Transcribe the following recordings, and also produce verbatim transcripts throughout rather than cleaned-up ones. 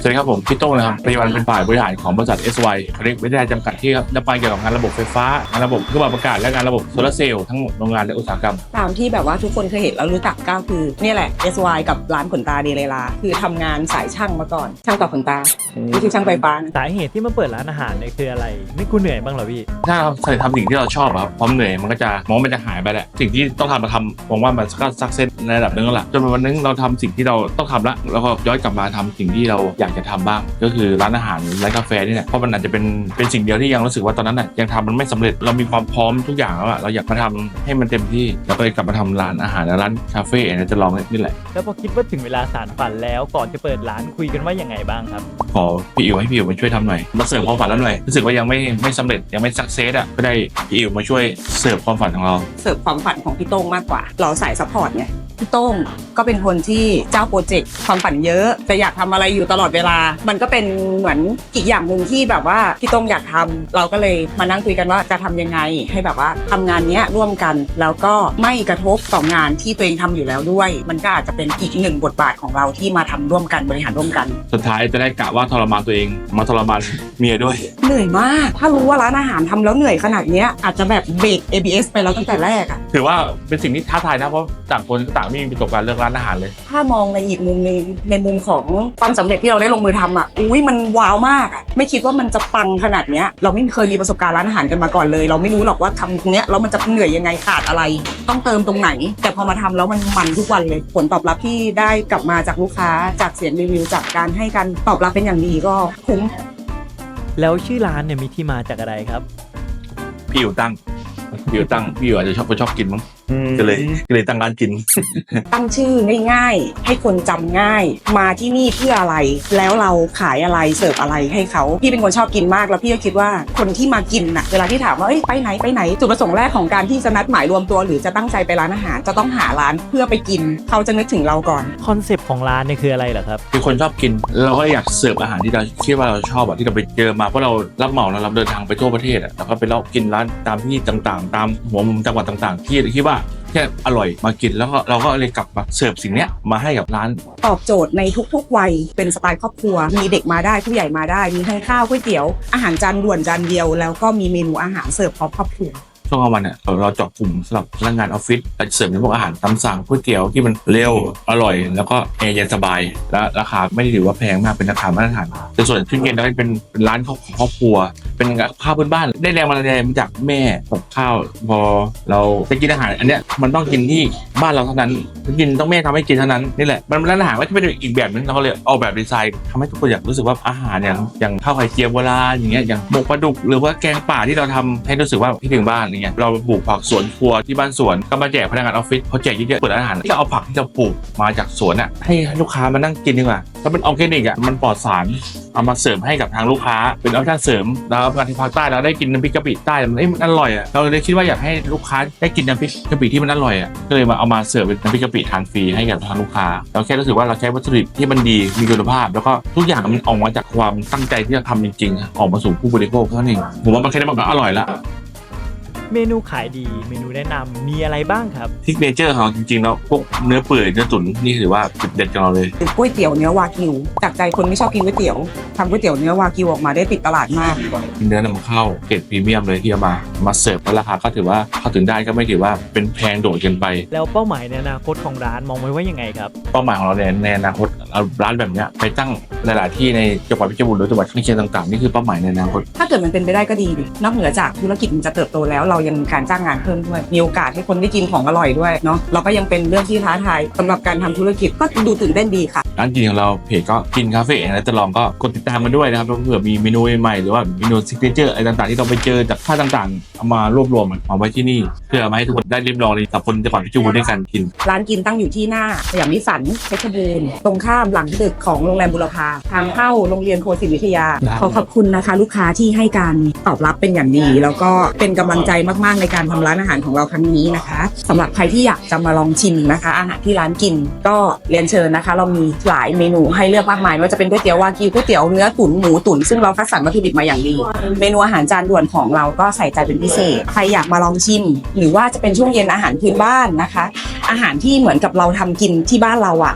สวัสดีครับผมพี่โต้งนะครับปัจจุบันเป็นฝ่ายบริหารของบริษัท เอส วาย เล็กวิทยาจำกัดที่ดำเนินเกี่ยวกับงานระบบไฟฟ้างานระบบเครื่องปรับอากาศและงานระบบโซลาร์เซลล์ทั้งหมดโรงงานและอุตสาหกรรมตามที่แบบว่าทุกคนเคยเห็นแล้วรู้จักก็คือเนี่ยแหละ เอส วาย กับร้านขนตาเดเลลาคือทำงานสายช่างมาก่อนช่างต่อขนตาไม่ใช่ช่างไฟฟ้าสาเหตุที่มาเปิดร้านอาหารเนี่ยคืออะไรไม่กูเหนื่อยบ้างเหรอพี่ถ้าเราใส่ทำสิ่งที่เราชอบครับความเหนื่อยมันก็จะมองมันจะหายไปแหละสิ่งที่ต้องทำมาทำผมว่ามันก็ซักเซสในระดับนึงแล้วล่ะจนวันนึงเราทำสิ่งที่เราต้องทำละแล้วก็ย้อนกลับมาทำสิ่งที่เราอยากจะทำบ้างก็คือร้านอาหารร้านกาแฟนี่แหละเพราะมันอาจจะเป็นเป็นสิ่งเดียวที่ยังรู้สึกว่าตอนนั้นน่ะยังทำมันไม่สำเร็จเรามีความพร้อมทุกอย่างแล้วอะเราอยากมาทำให้มันเต็มที่แล้วก็เลยกลับมาทำร้านอาหารร้านคาเฟ่เนี่ยจะลองนี่แหละแล้วพอคิดว่าถึงเวลาสานฝันแล้วก่อนจะเปิดร้านคุยกันว่ายังไงบ้างครับขอพี่อิ๋วให้พี่อิ๋วมาช่วยทำหน่อยมาเสิร์ฟความฝันแล้วหน่อยรู้สึกว่ายังไม่ไม่สำเร็จยังไม่สักเซสอะก็ได้พี่อิ๋วมาช่วยเสิร์ฟความฝันของเราเสิร์ฟความฝันของพี่โต้งมากกว่าเราสายซัพพอร์ตไงพี่โต้งก็เป็นคนที่เจ้าโปรเจกต์ความฝันเยอะแต่อยากทำอะไรอยู่ตลอดเวลามันก็เป็นเหมือนอีกอย่างหนึ่งที่แบบว่าพี่โต้งอยากทำเราก็เลยมานั่งคุยกันว่าจะทำยังไงให้แบบว่าทำงานนี้ร่วมกันแล้วก็ไม่กระทบต่องานที่ตัวเองทำอยู่แล้วด้วยมันก็อาจจะเป็นอีกหนึ่งบทบาทของเราที่มาทำร่วมกันบริหารร่วมกันสุดท้ายจะได้กะว่าทรมานตัวเองมาทรมานเมียด้วยเหนื่อยมากถ้ารู้ว่าร้านอาหารทำแล้วเหนื่อยขนาดนี้อาจจะแบบเบรก เอ บี เอส ไปแล้วตั้งแต่แรกอะถือว่าเป็นสิ่งที่ท้าทายนะเพราะต่างคนต่างไม่มีประสบการณ์เรื่องร้านอาหารเลยถ้ามองในอีกมุมนึงในมุมของความสำเร็จที่เราได้ลงมือทำอ่ะอุ้ยมันว้าวมากอ่ะไม่คิดว่ามันจะปังขนาดเนี้ยเราไม่เคยมีประสบการณ์ร้านอาหารกันมาก่อนเลยเราไม่รู้หรอกว่าทำตรงเนี้ยแล้วมันจะเหนื่อยยังไงขาดอะไรต้องเติมตรงไหนแต่พอมาทำแล้วมันมันทุกวันเลยผลตอบรับที่ได้กลับมาจากลูกค้าจากเสียงรีวิวจากการให้การตอบรับเป็นอย่างดีก็คุ้มแล้วชื่อร้านเนี่ยมีที่มาจากอะไรครับพี่อยู่ตั้งพี่อยู่ตั้งพี่อยู่อาจจะชอบชอบกินมั้งก็เลยก็เลยตั้งร้านกินตั้งชื่อง่ายๆให้คนจำง่ายมาที่นี่เพื่ออะไรแล้วเราขายอะไรเสิร์ฟอะไรให้เขาพี่เป็นคนชอบกินมากแล้วพี่ก็คิดว่าคนที่มากินน่ะเวลาที่ถามว่าเอ้ยไปไหนไปไหนจุดประสงค์แรกของการที่จะนัดหมายรวมตัวหรือจะตั้งใจไปร้านอาหารจะต้องหาร้านเพื่อไปกินเขาจะนึกถึงเราก่อนคอนเซปต์ของร้านเนี่ยคืออะไรเหรอครับคือคนชอบกินเราก็อยากเสิร์ฟอาหารที่เราคิดว่าเราชอบอะที่เราไปเจอมาเพราะเรารับเหมาเราเดินทางไปทั่วประเทศอะแล้วก็ไปเลาะกินร้านตามที่ต่างๆตามหัวมุมจังหวัดต่างๆที่คิดว่าแค่อร่อยมากินแล้วก็เราก็เลยกลับมาเสิร์ฟสิ่งนี้มาให้กับร้านตอบโจทย์ในทุกๆวัยเป็นสไตล์ครอบครัวมีเด็กมาได้ผู้ใหญ่มาได้มีทั้งข้าวก๋วยเตี๋ยวอาหารจานด่วนจานเดียวแล้วก็มีเมนูอาหารเสิร์ฟพร้อมครอบครัวช่วงกลางวันเนี่ยเราเจาะกลุ่มสำหรับพนักงานออฟฟิศเราจะเสิร์ฟในพวกอาหารตามสั่งก๋วยเตี๋ยวที่มันเร็วอร่อยแล้วก็แอร์เย็นสบายและราคาไม่ได้ถือว่าแพงมากเป็นราคามาตรฐานแต่ส่วนที่เย็นเราเป็นเป็นร้านของครอบครัวเป็นข้าวพื้นบ้านได้แรงบันดาลใจมาจากแม่กับข้าวพอเราจะกินอาหารอันเนี้ยมันต้องกินที่บ้านเราเท่านั้นกินต้องแม่ทำให้กินเท่านั้นนี่แหละมันร้านอาหารก็จะเป็นอีกแบบนึงเราเลยออกแบบดีไซน์ทำให้ทุกคนอยากรู้สึกว่าอาหารเนี่ยอย่างข้าวไข่เจียวโบราณอย่างเงี้ยอย่างหมกปลาดุกหรือว่าแกงป่าที่เราทำให้รู้สึกว่าที่ถึงบ้านอย่างเงี้ยเราปลูกผักสวนครัวที่บ้านสวนก็มาแจกพนักงานออฟฟิศเขาแจกเยอะๆเปิดร้านอาหารก็เอาผักที่เราปลูกมาจากสวนอ่ะให้ลูกค้ามานั่งกินดีกว่าถ้าเป็นออร์แกนิกอ่ะมันปลอดสารเอามาเสริมให้กับทางลูกค้าเป็นออปชั่นเสริมแล้วงานที่ภาคใต้เราได้กินน้ำพริกกะปิใต้มันมันอร่อยอ่ะเราเลยคิดว่าอยากให้ลูกค้าได้กินน้ำพริกกะปิที่มันอร่อยอ่ะก็เลยมาเอามาเสิร์ฟเป็นน้ำพริกกะปิทานฟรีให้กับทางลูกค้าเราแค่รู้สึกว่าเราใช้วัตถุดิบที่มันดีมีคุณภาพแล้วก็ทุกอย่างมันออกมาจากความตั้งใจที่จะทำจริงๆออกมาสู่ผู้บริโภคเท่านั้นเองผมว่ามันแค่นี้มันก็อร่อยละเมนูขายดีเมนูแนะนำมีอะไรบ้างครับซิกเนเจอร์ของจริงๆแล้วพวกเนื้อเปื่อยเนื้อตุ๋นนี่ถือว่าจุดเด็ดของเราเลยก๋วยเตี๋ยวเนื้อวากิวจากใจคนไม่ชอบกินก๋วยเตี๋ยวทำก๋วยเตี๋ยวเนื้อวากิวออกมาได้ติดตลาดมากเนื้อนำเข้าเกรดพรีเมียมเลยที่เอามามาเสิร์ฟแล้วราคาก็ถือว่าเข้าถึงได้ก็ไม่ถือว่าเป็นแพงโดดเกินไปแล้วเป้าหมายในอนาคตของร้านมองไว้ว่ายังไงครับเป้าหมายของเราในอนาคตเอาร้านแบบนี้ไปตั้งหลายๆที่ในจังหวัดเพชรบูรณ์หรือจังหวัดข้างเคียงต่างๆนี่คือเป้าหมายในอนาคตถ้าเกิดมันเป็นไปได้ก็ดีนอกเหนือจากธุรกิจมันจะเติบโตแล้วเรายังมีการจ้างงานเพิ่มด้วยมีโอกาสให้คนได้กินของอร่อยด้วยเนาะเราก็ยังเป็นเรื่องที่ท้าทายสำหรับการทำธุรกิจก็ดูตื่นเต้นดีค่ะร้านกินของเราเพจก็กินคาเฟ่และจะลองก็กดติดตามกันด้วยนะครับเผื่อมีเมนูใหม่หรือว่าเมนูซิกเนเจอร์อะไรต่างๆที่เราไปเจอจากท่าต่างๆเอามารวบรวมเอาไว้ที่นี่เพื่อมาให้ทุกคนได้ริมลองในสับคนจังหวัดเพชรบูรณ์ด้วยกันกินร้านกินตั้งอยู่ที่หน้าสยามนิสสันเพชรบูรณ์ตรงข้ามหลังตึกของโรงแรมบุรพาทางเข้าโรงเรียนโคศิลป์วิทยาขอขอบคุณนะคะลูกค้าที่ให้การตอบรับเป็นอย่างดีแล้วก็เป็นกำลังใจมากๆในการทำร้านอาหารของเราครั้งนี้นะคะสำหรับใครที่อยากจะมาลองชิมนะคะอาหารที่ร้านกินก็เรียนเชิญนะคะเรามีหลายเมนูให้เลือกมากมายไม่ว่าจะเป็นก๋วยเตี๋ยววากิวก๋วยเตี๋ยวเนื้อตุ๋นหมูตุ๋นซึ่งเราคัดสรรวัตถุดิบมาอย่างดีเมนูอาหารจานด่วนของเราก็ใส่ใจเป็นพิเศษใครอยากมาลองชิมหรือว่าจะเป็นช่วงเย็นอาหารพื้นบ้านนะคะอาหารที่เหมือนกับเราทำกินที่บ้านเราอ่ะแบบ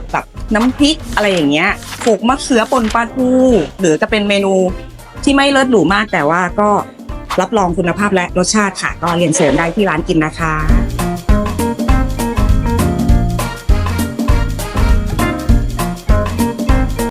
น้ำพริกอะไรอย่างเงี้ยโขลกมะเขือป่นปลาทูหรือจะเป็นเมนูที่ไม่เลิศหรูมากแต่ว่าก็รับรองคุณภาพและรสชาติค่ะก็เรียนเชิญได้ที่ร้านกินนะคะ